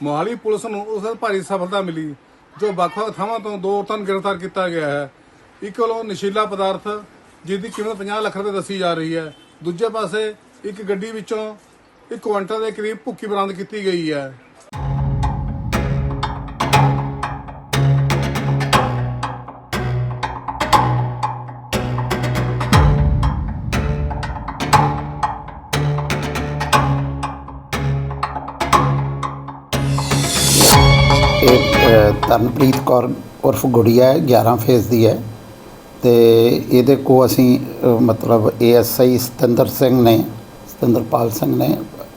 Mohali police ਨੂੰ ਉਸ ਭਾਰੀ ਸਫਲਤਾ ਮਿਲੀ ਜੋ ਵੱਖ-ਵੱਖ ਥਾਵਾਂ ਤੋਂ 2 ਔਰਤਾਂ ਨੂੰ ਗ੍ਰਿਫਤਾਰ ਕੀਤਾ ਗਿਆ ਹੈ। ਇੱਕ ਵੱਲੋਂ ਨਸ਼ੀਲਾ ਪਦਾਰਥ ਜਿਸ ਦੀ ਕੀਮਤ 50 ਲੱਖ ਰੁਪਏ ਦੱਸੀ ਜਾ ਰਹੀ ਹੈ। ਦੂਜੇ ਪਾਸੇ ਇੱਕ ਗੱਡੀ ਵਿੱਚੋਂ 1 ਕੁਇੰਟਲ ਦੇ ਕਰੀਬ ਭੁੱਕੀ ਬਰਾਮਦ ਕੀਤੀ ਗਈ ਹੈ। ਤਰਨਪ੍ਰੀਤ ਕੌਰ ਉਰਫ ਗੁੜੀਆ ਹੈ, 11 ਫੇਜ਼ ਦੀ ਹੈ ਤੇ ਇਹਦੇ ਕੋ ਅਸੀਂ ਮਤਲਬ ASI ਸਤਿੰਦਰਪਾਲ ਸਿੰਘ ਨੇ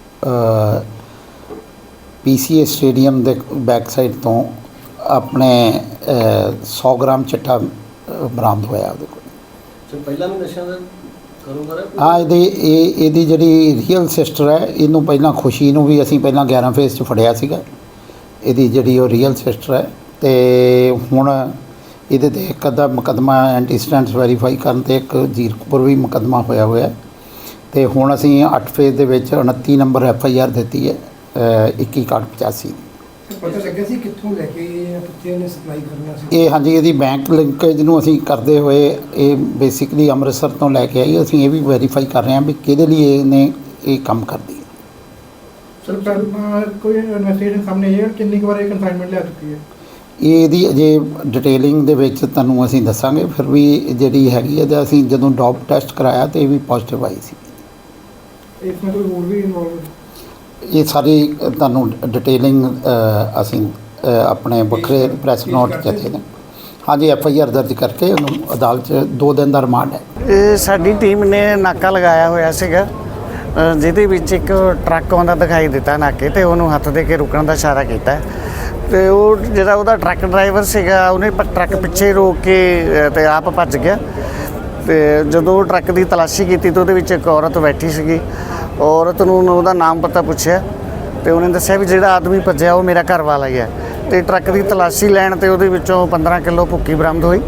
PCA ਸਟੇਡੀਅਮ ਦੇ ਬੈਕ ਸਾਈਡ ਤੋਂ ਆਪਣੇ 100 ਗ੍ਰਾਮ ਚਿੱਟਾ ਬਰਾਮਦ ਹੋਇਆ ਉਹਦੇ ਕੋਲ। ਪਹਿਲਾਂ ਵੀ ਨਸ਼ਿਆਂ ਦਾ ਕਾਰੋਬਾਰ ਹੈ। ਹਾਂ, ਇਹਦੀ ਜਿਹੜੀ ਰੀਅਲ ਸਿਸਟਰ ਹੈ, ਇਹਨੂੰ ਪਹਿਲਾਂ ਖੁਸ਼ੀ ਨੂੰ ਵੀ ਅਸੀਂ ਪਹਿਲਾਂ 11 ਫੇਜ਼ 'ਚ ਫੜਿਆ ਸੀਗਾ। ਇਹਦੀ ਜਿਹੜੀ ਉਹ ਰੀਅਲ ਸਿਸਟਰ ਹੈ ਤੇ ਹੁਣ ਇਹਦੇ 'ਤੇ ਇੱਕ ਅੱਧਾ ਮੁਕੱਦਮਾ ਐਂਟੀਸਟੈਂਟਸ ਵੈਰੀਫਾਈ ਕਰਨ 'ਤੇ ਇੱਕ ਜ਼ੀਰਕਪੁਰ ਵੀ ਮੁਕੱਦਮਾ ਹੋਇਆ ਤੇ ਹੁਣ ਅਸੀਂ 8 ਫੇਜ਼ ਦੇ ਵਿੱਚ 29 ਨੰਬਰ FIR ਦਿੱਤੀ ਹੈ 21/85 ਪਤਾ ਲੱਗਿਆ ਸੀ ਕਿੱਥੋਂ ਲੈ ਕੇ ਜਾਂ ਕਿੱਥੇ ਇਹਨੇ ਸਪਲਾਈ ਕਰਨਾ ਸੀ? ਇਹ ਹਾਂਜੀ, ਇਹਦੀ ਬੈਂਕ ਲਿੰਕੇਜ ਨੂੰ ਅਸੀਂ ਕਰਦੇ ਹੋਏ ਇਹ ਬੇਸਿਕਲੀ ਅੰਮ੍ਰਿਤਸਰ ਤੋਂ ਲੈ ਕੇ ਆਈ। ਅਸੀਂ ਇਹ ਵੀ ਵੈਰੀਫਾਈ ਕਰ ਰਹੇ ਹਾਂ ਵੀ ਕਿਹਦੇ ਲਈ ਇਹਨੇ ਇਹ ਕੰਮ ਕਰਦੀ ਹੈ। ਸਰ ਕੋਈ ਇਨਵੈਸਟੀਗੇਸ਼ਨ ਸਾਹਮਣੇ ਆਈ ਹੈ ਕਿੰਨੀ ਕੁ ਵਾਰ ਇਹ ਕਨਸਾਈਨਮੈਂਟ ਲੈ ਚੁੱਕੀ ਹੈ? ਇਹਦੀ ਅਜੇ ਡਿਟੇਲਿੰਗ ਦੇ ਵਿੱਚ ਤੁਹਾਨੂੰ ਅਸੀਂ ਦੱਸਾਂਗੇ। ਫਿਰ ਵੀ ਜਿਹੜੀ ਹੈਗੀ ਹੈ, ਅਸੀਂ ਜਦੋਂ ਡੋਪ ਟੈਸਟ ਕਰਾਇਆ ਤੇ ਇਹ ਵੀ ਪੋਜ਼ਿਟਿਵ ਆਈ ਸੀ। ਇਸ ਵਿੱਚ ਕੋਈ ਹੋਰ ਵੀ ਇਨਵੋਲਵ? ਇਹ ਸਾਰੀ ਤੁਹਾਨੂੰ ਡਿਟੇਲਿੰਗ ਅਸੀਂ ਆਪਣੇ ਵੱਖਰੇ ਪ੍ਰੈਸ ਨੋਟ ਦਿੱਤੇ ਨੇ। ਹਾਂਜੀ, FIR ਦਰਜ ਕਰਕੇ ਉਹਨੂੰ ਅਦਾਲਤ 'ਚ 2 ਦਿਨ ਦਾ ਰਿਮਾਂਡ ਹੈ। ਇਹ ਸਾਡੀ ਟੀਮ ਨੇ ਨਾਕਾ ਲਗਾਇਆ ਹੋਇਆ ਸੀਗਾ, ਜਿਹਦੇ ਵਿੱਚ ਇੱਕ ਟਰੱਕ ਆਉਂਦਾ ਦਿਖਾਈ ਦਿੱਤਾ ਨਾਕੇ ਤੇ ਉਹਨੂੰ ਹੱਥ ਦੇ ਕੇ ਰੁਕਣ ਦਾ ਇਸ਼ਾਰਾ ਕੀਤਾ ਤੇ ਉਹ ਜਿਹੜਾ ਉਹਦਾ ਟਰੱਕ ਡਰਾਈਵਰ ਸੀਗਾ ਉਹਨੇ ਟਰੱਕ ਪਿੱਛੇ ਰੋਕ ਕੇ ਤੇ ਆਪ ਭੱਜ ਗਿਆ। ਤੇ ਜਦੋਂ ਟਰੱਕ ਦੀ ਤਲਾਸ਼ੀ ਕੀਤੀ ਤਾਂ ਉਹਦੇ ਵਿੱਚ ਇੱਕ ਔਰਤ ਬੈਠੀ ਸੀਗੀ। ਔਰਤ ਨੂੰ ਉਹਦਾ ਨਾਮ ਪਤਾ ਪੁੱਛਿਆ ਤੇ ਉਹਨੇ ਦੱਸਿਆ ਵੀ ਜਿਹੜਾ ਆਦਮੀ ਭੱਜਿਆ ਉਹ ਮੇਰਾ ਘਰ ਵਾਲਾ ਹੀ ਹੈ। ਤੇ ਟਰੱਕ ਦੀ ਤਲਾਸ਼ੀ ਲੈਣ ਤੇ ਉਹਦੇ ਵਿੱਚੋਂ 15 ਕਿਲੋ ਭੁੱਕੀ ਬਰਾਮਦ ਹੋਈ।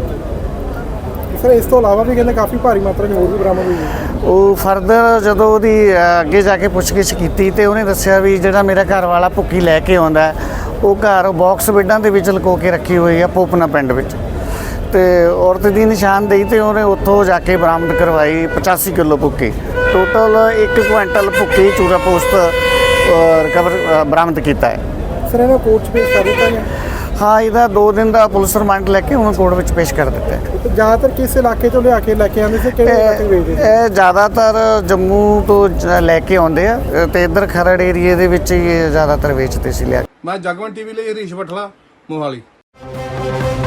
ਸਰ ਇਸ ਤੋਂ ਇਲਾਵਾ ਵੀ ਕਹਿੰਦੇ ਕਾਫੀ ਭਾਰੀ ਮਾਤਰਾ 'ਚ ਹੋਰ ਵੀ ਬਰਾਮਦ ਹੋਈ ਹੈ। ਉਹ ਫਰਦਰ ਜਦੋਂ ਉਹਦੀ ਅੱਗੇ ਜਾ ਕੇ ਪੁੱਛਗਿੱਛ ਕੀਤੀ ਤੇ ਉਹਨੇ ਦੱਸਿਆ ਵੀ ਜਿਹੜਾ ਮੇਰਾ ਘਰ ਵਾਲਾ ਭੁੱਕੀ ਲੈ ਕੇ ਆਉਂਦਾ ਉਹ ਘਰ ਬਾਕਸ ਬੈੱਡਾਂ ਦੇ ਵਿੱਚ ਲੁਕੋ ਕੇ ਰੱਖੀ ਹੋਈ ਆ ਪੋਪਨਾ ਪਿੰਡ ਵਿੱਚ। ਤੇ ਔਰਤ ਦੀ ਨਿਸ਼ਾਨਦੇਹੀ ਤੇ ਉਹਨੇ ਉੱਥੋਂ ਜਾ ਕੇ ਬਰਾਮਦ ਕਰਵਾਈ 85 ਕਿਲੋ ਭੁੱਕੀ। ਟੋਟਲ 1 ਕੁਇੰਟਲ ਭੁੱਕੀ ਚੂਰਾ ਪੋਸਟ ਰਿਕਵਰ ਬਰਾਮਦ ਕੀਤਾ ਹੈ। ਸਰ ਇਹਨੂੰ ਕੋਰਟ 'ਚ ਪੇਸ਼ ਕਰ ਦਿੱਤਾ ਗਿਆ? ਹਾਂ, ਇਹਦਾ 2 ਦਿਨ ਦਾ ਪੁਲਿਸ ਰਿਮਾਂਡ ਲੈ ਕੇ ਹੁਣ ਕੋਰਟ ਵਿੱਚ ਪੇਸ਼ ਕਰ ਦਿੱਤਾ ਹੈ। ਜ਼ਿਆਦਾਤਰ ਕਿਸ ਇਲਾਕੇ ਤੋਂ ਲਿਆ ਕੇ ਲੈ ਕੇ ਆਉਂਦੇ ਸੀ? ਕਿਹੜੇ ਇਲਾਕੇ ਵੇਚਦੇ? ਇਹ ਜ਼ਿਆਦਾਤਰ ਜੰਮੂ ਤੋਂ ਲੈ ਕੇ ਆਉਂਦੇ ਆ ਤੇ ਇੱਧਰ ਖਰੜ ਏਰੀਏ ਦੇ ਵਿੱਚ ਹੀ ਜ਼ਿਆਦਾਤਰ ਵੇਚਦੇ ਸੀ ਲਿਆ। ਮੈਂ ਜਗਵੰਤ TV ਲਈ ਹਰੀਸ਼ ਬਠਲਾ, ਮੋਹਾਲੀ।